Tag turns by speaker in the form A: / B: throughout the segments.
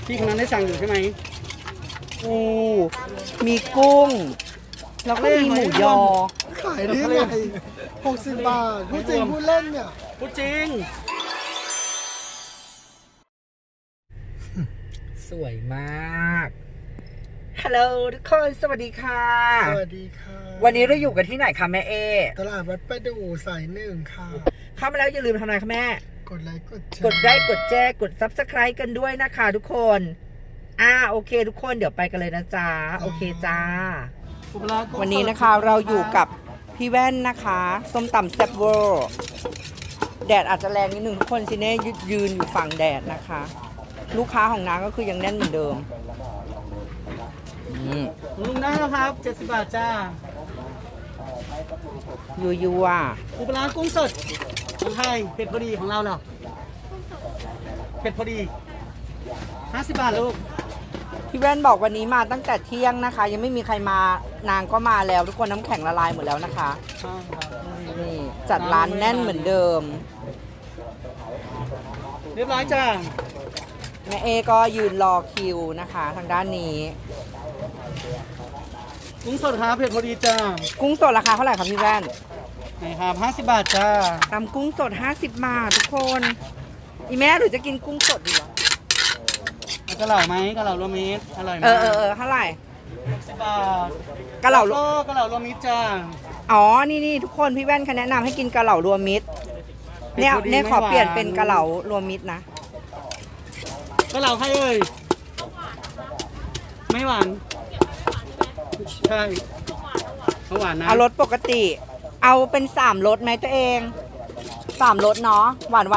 A: พี่คนนั้นได้สั่งอยู่ใช่ไหม
B: ปูมีกุ้ง แล้วก็มีหมูยอ
C: ขายได้ไง60 บาทพูดจริงพูดเล่นเนี่ย
A: พูดจริง
B: สวยมากฮัลโหลทุกคนสวัสดีค่ะ
C: สวัสดีค่ะ
B: วันนี้เราอยู่กันที่ไหนคะแม่เอ
C: ตลาดวัดประดู่สายหนึ่งค่ะ
B: เข้ามาแล้วอย่าลืมทำอะไรคะแม่
C: กดไลค์กดแชร์
B: กดไลค์กดแชร์กด Subscribe กันด้วยนะคะทุกคนโอเคทุกคนเดี๋ยวไปกันเลยนะจ๊ะโอเคจ้า วันนี้นะคะเราอยู่กับพี่แว่นนะคะส้มตำแซ่บเวอร์แดดอาจจะแรงนิดนึงทุกคนซิเน่ยืนอยู่ฝั่งแดดนะคะ ลูกค้าของนางก็คือยังแน่นเหมือนเดิม
A: ลุงได้แล้วครับ70 บาทจ้า
B: ยัว
A: ปูปลาร้ากุ้งสดของไทยเผ็ดพอดีของเราเหรอเผ็ดพอดี50 บาทลูก
B: พี่แว่นบอกวันนี้มาตั้งแต่เที่ยงนะคะ ยังไม่มีใครมานางก็มาแล้วทุกคนน้ำแข็งละลายหมดแล้วนะคะ
A: ใช่ครับ
B: นี่จัดร้านแน่นเหมือนเดิม
A: เรียบร้อยจ้า
B: แม่เอก็ยืนรอคิวนะคะทางด้านนี้
A: กุ้งสดครับเผ็ดพอดีจ้า
B: กุ้งสดราคาเท่าไหร่ครับพี่แว่น
A: ไหนครับ50 บาทจ้า
B: ตำกุ้งสด50 บาททุกคนอีแม่หรือจะกินกุ้งสดดีวะ
A: เอากระเหล่าไหมกระเหล่ารวมมิตรอร่อยไหม
B: เท่าไหร่
A: 60 บาท
B: กะเหล่า
A: ก็กระเหล่ารวมมิตรจ้า
B: อ๋อนี่ทุกคนพี่แว่นเขาแนะนำให้กินกะเหล่ารวมมิตรเนี่ย
A: เป็นพอดี
B: เนี่ยขอ
A: ไม่หวาน
B: เปลี่ยนเป็นกะเหล่ารวมมิตรนะ
A: กระเหล่าใครเอ่ยไม่หวานใช่เขาหวานนะ
B: เอารสปกติ เอาเป็น3รสไหมตัวเอง3รสเนาะหวาน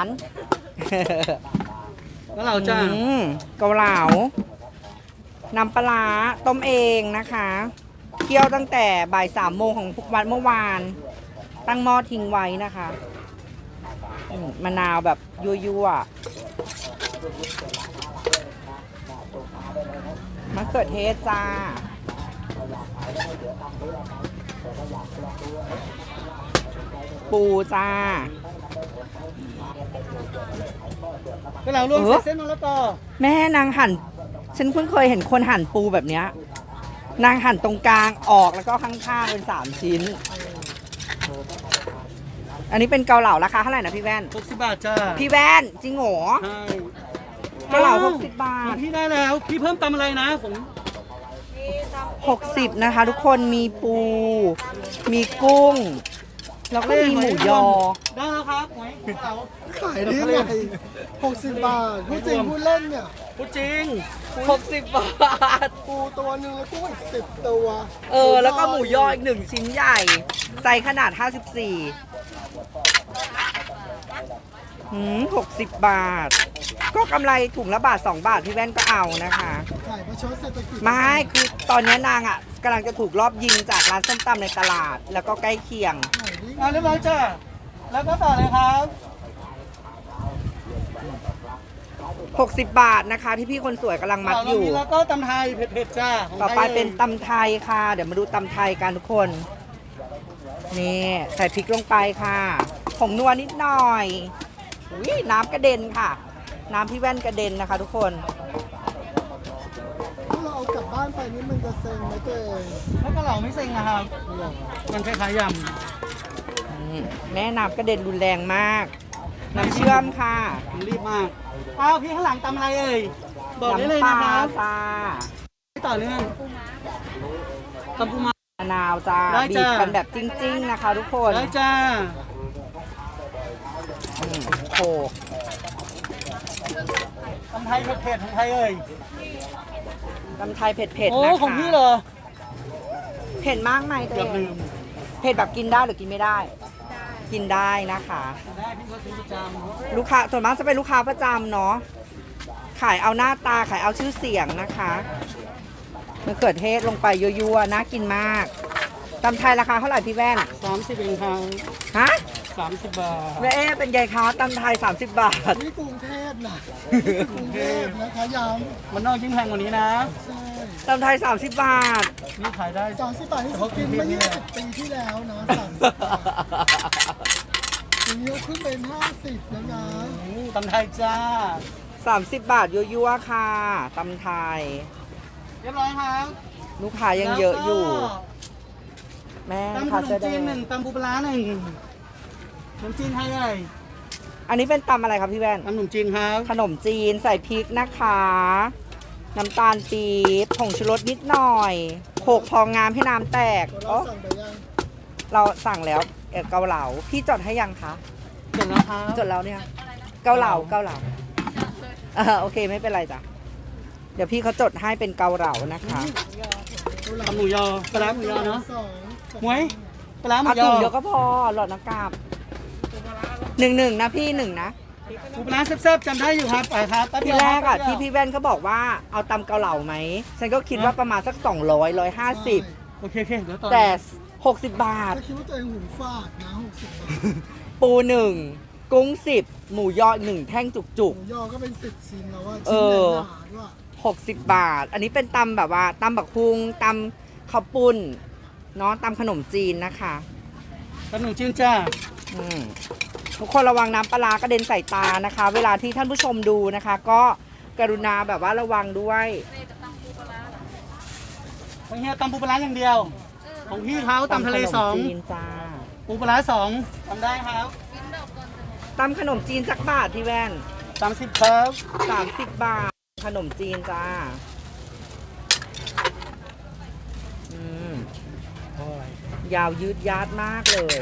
A: กระเหล่าจ้า
B: เกาเหลาน้ำปลาร้าต้มเองนะคะเคี่ยวตั้งแต่บ่าย3 โมงของวันเมื่อวาน ตั้งหม้อทิ้งไว้นะคะมะนาวแบบยั่วๆมะเขือเทศจ้า ปูจ้า
A: กระเหล่ารวมเส้นมะละกอ
B: แม่นางหั่นฉันเพิ่งเคยเห็นคนหั่นปูแบบเนี้ยนางหั่นตรงกลางออกแล้วก็ข้างๆเป็น3 ชิ้น อันนี้เป็นเกาเหลาราคาเท่าไหร่นะพี่แว่น
A: 60 บาทจ้า
B: พี่แว่นจริงเหรอ
A: ใช่
B: เกาเหลา60 บาท
A: พี่ได้แล้วพี่เพิ่มตำอะไรนะผม
B: 60นะคะทุกคนมีปู มีกุ้ง แล้วก็มีหมูยอ
A: ได้แล้วครับหอยกระเหลา
C: ขายได้ไง60 บาทพูดจริงพูดเล่นเนี่ย
A: พูดจริง
B: 60 บาท
C: ปูตัวหนึ่งแล้วกุ้งอีก10 ตัว
B: แล้วก็หมูยออีก1 ชิ้นใหญ่ไซส์ขนาด 54 60 บาท ก็กำไรถุงละบาท 2 บาทพี่แว่นก็เอานะคะ
C: ขายประชดเศรษฐกิจ
B: ไม่คือตอนนี้นางกำลังจะถูกรอบยิงจากร้านส้มตำในตลาด แล้วก็ใกล้เคียง
C: ขายได้ไง
A: เรียบร้อยจ้าแล้วก็ต่อเลยครับ
B: 60 บาทนะคะที่พี่คนสวยกำลังมัดอยู่
A: แล้วก็ตำไทยเผ็ดๆจ้าของ
B: ต่อไป
A: ทย
B: เป็นตำไทยค่ะ เดี๋ยวมาดูตำไทยกันทุกคน นี่ใส่พริกลงไปค่ะผงนัวนิดหน่อยอุ๊ยน้ำกระเด็นค่ะ น้ำพี่แว่นกระเด็นนะคะ ทุกคน
C: ถ้าเราเอากลับบ้านไปนี่มันจะเซ็งไหมตัวเอง
A: แล้วกระเหล่าไม่เซ็งนะครับมันคล้ายๆย
B: แม่น้ำกระเด็นรุนแรงมาก น้ำเชื่อมค่ะ
A: ำผมรีบมากอ้าวพี่ข้างหลังตำอะไรเอ่ยบอกได้เลย
B: น้ำป
A: นะ
B: ลา
A: ครับ
B: จ้า
A: ต่อเนื่องตำปูม้าม
B: ะนาวจ้า
A: ได้
B: บี
A: จ้า
B: บกันแบบจริงๆนะคะ ทุกคน
A: ได้จ้า
B: โขก
A: ตำไทยเผ็ดๆของไทยเอ่ย
B: ตำไทยเผ็ด
A: โอ้
B: ๆนะคะ
A: ของพี่เหรอ
B: เผ็ดมากไหมตัว
A: เกื
B: เอ
A: อบลื
B: ง
A: ม
B: เผ็ดแบบกินได้หรือกินไม่ได้ กินได้นะคะ
A: ได้พี่ก็ซื้อประจำ
B: ลูกค้าส่วนมากจะเป็นลูกค้าประจำเนาะขายเอาหน้าตาขายเอาชื่อเสียงนะคะมะเขือเทศลงไปยั่วๆน่ากินมากตำไทยราคาเท่าไหร่พี่แว่น
A: 30 เองครับ
B: ฮะ
A: 30 บาท
B: แม่เอ๊เป็นไงคะตำไทย30 บาท
C: นี่กรุงเทพนะนี่กรุงเทพนะคะย้
A: มันนอกยิ่งแพงกว่านี้นะ
C: ำใช่
B: ตำไทย30 บาท
A: นี่ขายได้
C: 30 บาทที่กินเมื่อ20 ปีที่แล้วนะ30 บาททีนี้ขึ้นเป็น50แล้วนะ
A: ตำไทยจ้า
B: 30 บาทยั่วๆค่ะตำไทย
A: เรียบร้อยครับ
B: ลูกค้ายังเยอะอยู่ แม่
A: ตำข
B: ค่ะ
A: น
B: เสื้
A: ม
B: อแด
A: จีน
B: ง
A: 1ตำปูปลาร้า1ขนมจีนไทยเลย
B: อันนี้เป็นตำอะไรครับพี่แว่น
A: ตำขนมจีนครับ
B: ขนมจีนใส่พริกนะคะ น้ำตาลปี๊บผงชูรสนิดหน่อยโขลกพองามให้น้ำแตก
C: เรา
B: อ๋อ
C: สั่งไปยัง
B: เราสั่งแล้วเกาเหลาพี่จดให้ยังคะ
A: จบแล้วครับ
B: จดแล้วเนี่ยเกาเหลาโอเคไม่เป็นไรจ้ะเดี๋ยวพี่เขาจดให้เป็นเกาเหลานะคะ
A: ตำหมูยอปลาร้าหมูยอเนาะ
C: สอง
A: หมวยปลาร้าหมู
B: เอา
A: ย
B: ถุ
A: อง
B: เดียวก็พอหลอดน้ำกาบหนึ่งนะพี่หนึ่งนะ
A: ปูปลาร้าแซ่บๆจำได้อยู่ครับไปครับแป๊บ
B: ที
A: เดียว
B: แรกอะ
A: ป๊บดี
B: ที่
A: ยว
B: พี่แว่นเขาบอกว่าเอาตำเกาเหลาไหมฉันก็คิดว่าประมาณสัก200 150
A: โอเคเดี๋ยวต่อ
B: แต่60 บาท
C: ถ้าคิดว่าตัวเองหุ่นฟาดนะ60 บาท
B: ปู1กุ้ง10หมูยอ1แท่งจุก
C: หมูยอก็เป็น10ชิ้นแล้วว่า
B: เอ
C: ชิ้น
B: อ
C: ใหญ่หนาด้วย
B: 60 บาท อันนี้เป็นตำแบบว่าตำบักพุงตำข้าวปุ้นเนาะตำขนมจีนนะคะ
A: ขนมจีนจ้า
B: อืมทุกคนระวังน้ำปลาร้ากระเด็นใส่ตานะคะ เวลาที่ท่านผู้ชมดูนะคะ ก็กรุณาแบบว่าระวังด้วย
A: ของเฮียตำปูปลาร้าอย่างเดียว ของพี่เขาตำทะเล
B: ขนม
A: สอง
B: จีนจ้า
A: ปูปลาร้า2ทำได้ครับ
B: ตำขนมจีนจักบาทพี่แว่น
A: 30ครับ
B: 30 บาท ขนมจีนจ้าอืมยาวยืดยาดมากเลย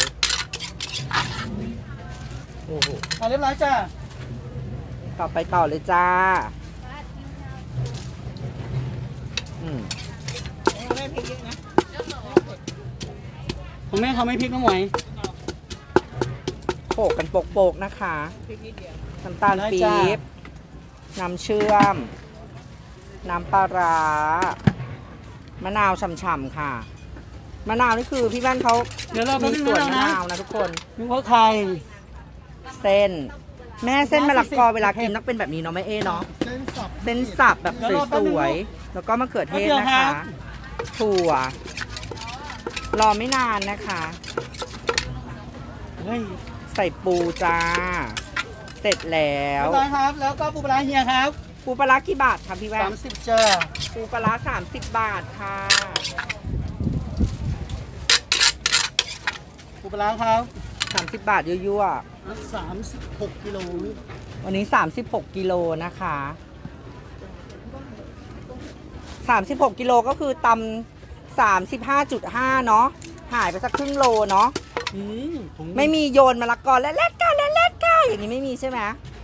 B: โอ้โห
A: เรียบร้อยจ้า
B: ต่อเลยจ้าอืม
A: ของแม่เขาไม่พริกน้ำหมวย
B: โปกกันโปกๆนะคะน้ำตาลปี๊บน้ำเชื่อม น้ำปลาร้ามะนาวฉ่ำๆค่ะ มะนาวนี่คือพี่แว่นเขา
A: เดี๋ยวเราไป
B: มี
A: ดู
B: ส่วน
A: แล้ว
B: มะ
A: นะ
B: นาวนะทุกคน
A: นึกว่าใคร
B: เส้น แม่เส้นมะละกอเวลากินต้องเป็นแบบนี้เนาะแม่เอ๋เนาะ
C: เส้นสับ
B: เส้นสับแบบสวยๆแล้วก็มะเขือเทศนะคะ ถั่ว รอไม่นานนะคะ
A: เฮ้ย
B: ใส่ปูจ้า เสร็จแล้ว
A: เรียบร้อยครับ แล้วก็ปูปลาร้าเฮียครับ
B: ปูปลาร้ากี่บาทคะพี่แว่น
A: 30จ้า
B: ปูปลาร้า30 บาทค่ะ
A: ปูปลาร้าครับ
B: 30 บาทยั่ว
A: 36กิโล
B: ๆวันนี้ 36 กิโลนะคะ 36 กิโลก็คือตำ35.5 เนาะหายไปสักครึ่งโลเนาะ
A: ผม
B: ไม่มีโยนมะละกอและเล็ดก้าและเล็ดก้าอย่างนี้ไม่มีใช่ไหม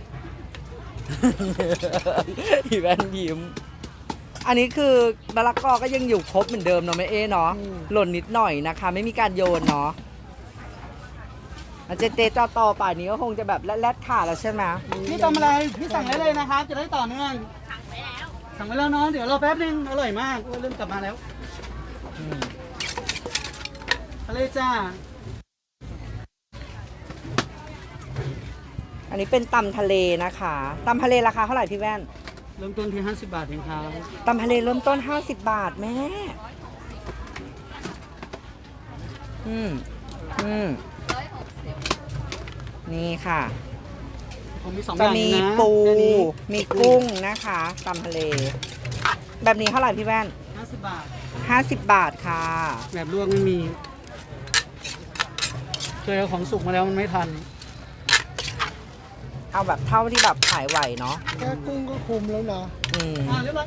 B: พี่แว่นยิ้ม อันนี้คือมะละกอก็ยังอยู่ครบเหมือนเดิมเนาะแม่เอ๋เนาะหล่นนิดหน่อยนะคะ ไม่มีการโยนเนาะเจจต่อป่านนี้ก็คงจะแบบแรดขาแล้วใช่ไหม
A: พี่ทำอะไร พี่สั่งได้เลยนะครับ จะได้ต่อเนื่อง สั่งไปแล้วเนาะ เดี๋ยวรอแป๊บนึง อร่อยมากโอ้ยเริ่มกลับมาแล้ว
B: อืม
A: ทะเลจ้า
B: อันนี้เป็นตำทะเลนะคะตำทะเลราคาเท่าไหร่พี่แว่น
A: เริ่มต้นที่50 บาทเองครับ
B: ตำทะเลเริ่มต้น50 บาทแม่ อืมนี่ค่ะ
A: ผมมี2
B: จะ
A: อย่าง
B: มี
A: นะ
B: ปู
A: แค่นี้
B: มีกุ้งนะคะตำทะเล แบบนี้เท่าไหร่พี่แว่น
A: 50 บาท
B: 50 บาทค่ะ
A: แบบลวกไม่มีเคยเอาของสุกมาแล้วมันไม่ทัน
B: เอาแบบเท่าที่แบบขายไหวเนาะ
C: แค่กุ้งก็คุมแล้วนะ
B: อืม
A: เรียบร้อย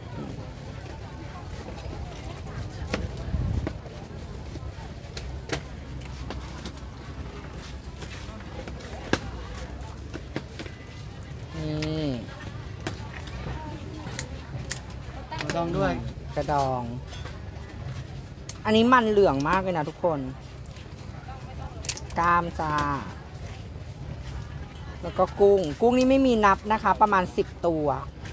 B: นี่
A: ลองด้วย
B: กระดอง อันนี้มันเหลืองมากเลยนะทุกคน กล้ามจ้า แล้วก็กุ้ง กุ้งนี่ไม่มีนับนะคะ ประมาณ10 ตัว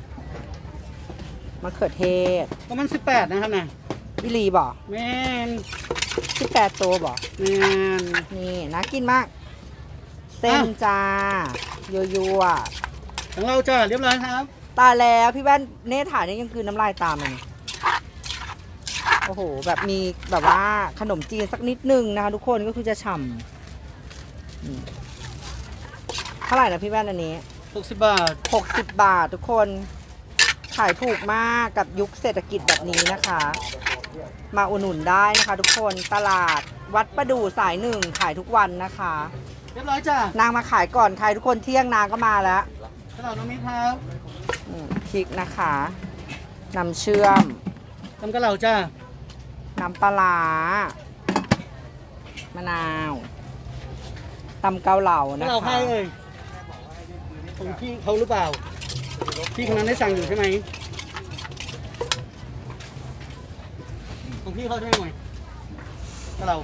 B: มะเขือเทศ
A: ประมาณ18นะครับนะ
B: อิลีบ่
A: แม่น
B: 18 ตัวบ่
A: แม่น
B: นี่น่ากินมาก เส้นจ้ายั่ว
A: ของเราจ้าเรียบร้อยครับ
B: ๆตายแล้วพี่แว่นเนถ่ายนี่ยังคือน้ำลายตามเลยโอ้โห แบบมีแบบว่าขนมจีนสักนิดนึงนะคะทุกคนก็คือจะฉ่ำเท่าไหร่นะพี่แว่นอันนี้
A: 60 บาท
B: 60 บาททุกคนขายถูกมากกับยุคเศรษฐกิจแบบนี้นะคะ มาอุดหนุนได้นะคะทุกคนตลาดวัดประดู่สายหนึ่งขายทุกวันนะคะ
A: เรียบร้อยจ้ะ
B: นางมาขายก่อนใครทุกคนเที่ยงนางก็มาแล้ว
A: ตลาดน้องมิ้นครับ
B: พริกนะคะน้ำเชื่อม
A: ตำกะเหล่าจ้ะ
B: น้ำปลาร้ามะนาวตำเกาเหลาก
A: ะ
B: นะ
A: เหล่าใคร
B: คะ
A: เอ่ยของพี่เขาหรือเปล่าพี่คนนั้นได้สั่งอยู่ใช่ไหมของพี่เขาใช่ไหมกะเหล่า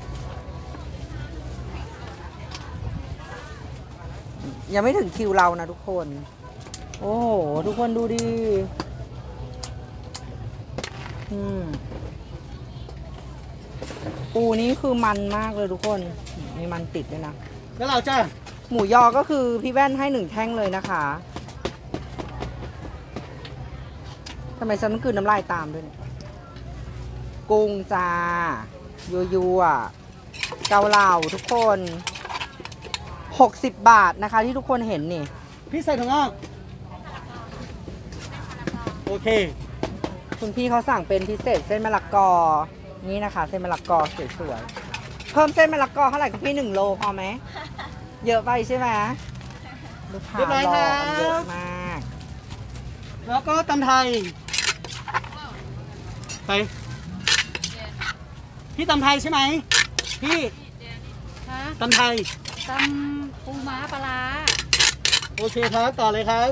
B: ยังไม่ถึงคิวเรานะทุกคน โอ้โหทุกคนดูดิปูนี้คือมันมากเลยทุกคนมีมันติดด้วยนะ
A: กะเหล่าจ้ะ
B: หมูยอก็คือพี่แว่นให้1 แท่งเลยนะคะทำไมฉันต้องกลืนน้ำลายตามด้วยเนี่ยกุ้งจ้ายัวๆเกาเหลาทุกคน60 บาทนะคะที่ทุกคนเห็นนี่
A: พี่ใส่ถั่วงอกโอเค
B: คุณพี่เขาสั่งเป็นพิเศษเส้นมะละกอนี่นะคะเส้นมะละกอสวยๆเพิ่มเส้นมะละกอเท่าไหร่คุณพี่1 โลพอไหมเยอะไปใช่ไหมลูกค้ารอกันเยอะมาก
A: แล้วก็ตำไทยไปพี่ตำไทยใช่ไหมพี่
D: คะ
A: ตำไทย
D: ตำปูม้าปลาร้า
A: โอเคครับต่อเลยครับ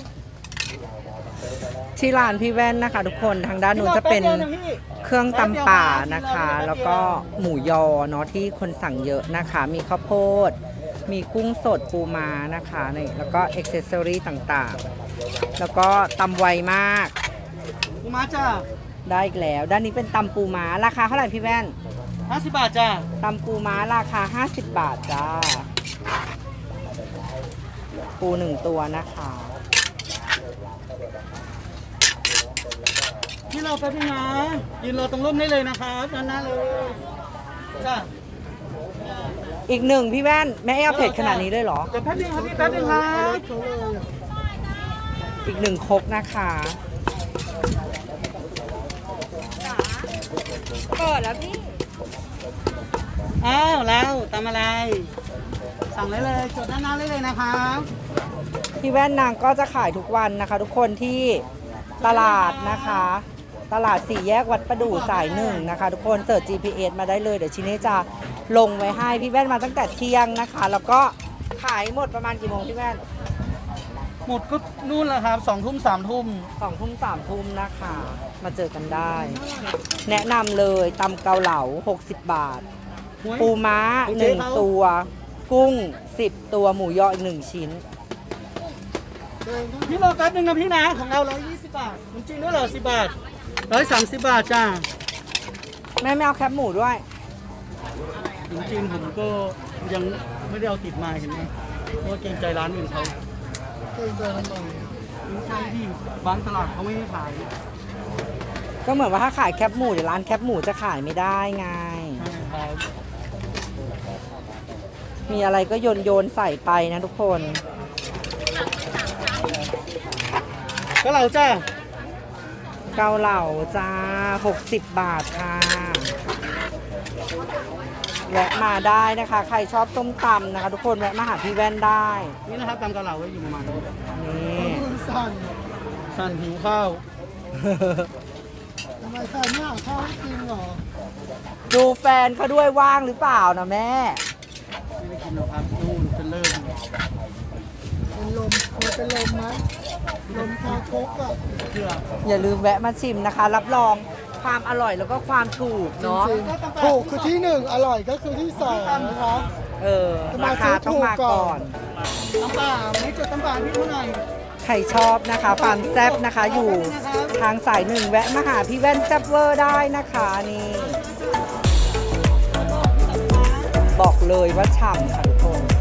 B: ที่ร้านพี่แว่นนะคะทุกคนทางด้านนู้นจะเป็น
A: แป๊บดียวะพี่
B: เครื่องตำป่านะคะ แล้วก็หมูยอเนาะที่คนสั่งเยอะนะคะ มีข้าวโพด มีกุ้งสดปูม้านะคะนี่แล้วก็อ็อกเซสซอรี่ต่างๆ แล้วก็ตำไวมาก
A: ปูม้าจ้า
B: ได้อีกแล้ว ด้านนี้เป็นตำปูม้าราคาเท่าไหร่พี่แว่น
A: 50 บาทจ้า
B: ตำปูม้าราคา50 บาทจ้าปู1 ตัวนะคะ
A: พี่เราแป๊บนึงนะยืนรอตรงร่มได้เลยนะครับด้านหน้าเลยจ้า
B: อีก 1พี่แว่นแม่เอาเผ็ดขนาดนี้เลยเหรอ
A: เดี๋ยวแป๊บนึงครับพี่แป๊บนึงครับ
B: อีก 1 ครกนะคะเปิดแล้วพี่
A: อ้าวแล้วตำอะไร สั่งได้เลยจดด้านหน้าได้เลยนะครับ
B: พี่แว่นนางก็จะขายทุกวันนะคะ ทุกคนที่ตลาดนะคะ ตลาด4 แยกวัดประดู่สาย1นะคะ ทุกคนเสิร์ช GPS มาได้เลยเดี๋ยวชิ้นนี้จะลงไว้ให้พี่แว่นมาตั้งแต่เที่ยงนะคะ แล้วก็ขายหมดประมาณกี่โมงพี่แว่น
A: หมดก็นู่นแหละครับ2 ทุ่ม 3 ทุ่ม
B: 2 ทุ่ม 3 ทุ่มนะคะ มาเจอกันได้ แนะนำเลยตำเกาเหลา60 บาท ปูม้า 1 ตัว กุ้ง 10 ตัวหมูยออีก 1 ชิ้น
A: พี่รอแป๊บนึงนะพี่นะของเรา120 บาทจริงด้วยเหรอ10 บาท130 บาทจ้า
B: แม่ไม่เอาแคบหมูด้วย
A: จริงๆผมก็ยังไม่ได้เอาติดมาเห็นไหมเพราะว่าเกรงใจร้านอื่นเขา
C: เก่งใจทำไม
A: ไม่ใช่ที่บางตลาดเขาไม่ให้ขาย
B: ก็เหมือนว่าถ้าขายแคบหมูเดี๋ยวร้านแคบหมูจะขายไม่ได้ไง
A: ใช่ครับ
B: มีอะไรก็โยนใส่ไปนะทุกคน
A: ก็เราจ้า
B: เกาเหลาจ้า60 บาทค่ะแวะมาได้นะคะ ใครชอบต้มตำนะคะ ทุกคนแวะมาหาพี่แว่นได้
A: นี่นะครับตำกะเหล่าไว้อยู่ประมาณนี้
B: นี่
C: คุณสั่น
A: สั่นหิวข้าว
C: ทำไมสั่นไม่หาข้าวให้กินเหรอ
B: ดูแฟนเขาด้วยว่างหรือเปล่านะแม่
A: ไม่ได้กินหรอกครับนู่นเป็นเลิก
C: เป็นลมมันเป็นลมไหมลมคาโคกอ่ะ
A: เชื่อ
B: อย่าลืมแวะมาชิมนะคะ รับรองความอร่อยแล้วก็ความถูก
C: จ
B: เนาะ
C: ริงๆถูกคือที่ 1 อร่อยก็คือที่ 2 นะคะ
B: ราคาต้องมาก่อน
A: ตำป่าไม่จดตำป่าพี่เท่าไหร่
B: ใครชอบนะคะฟาร์มแซบนะคะอยู่ทางสาย1แวะมาหาพี่แว่นแซบเวอร์ได้นะคะนี่ บอกเลยว่าฉ่ำค่ะทุกคน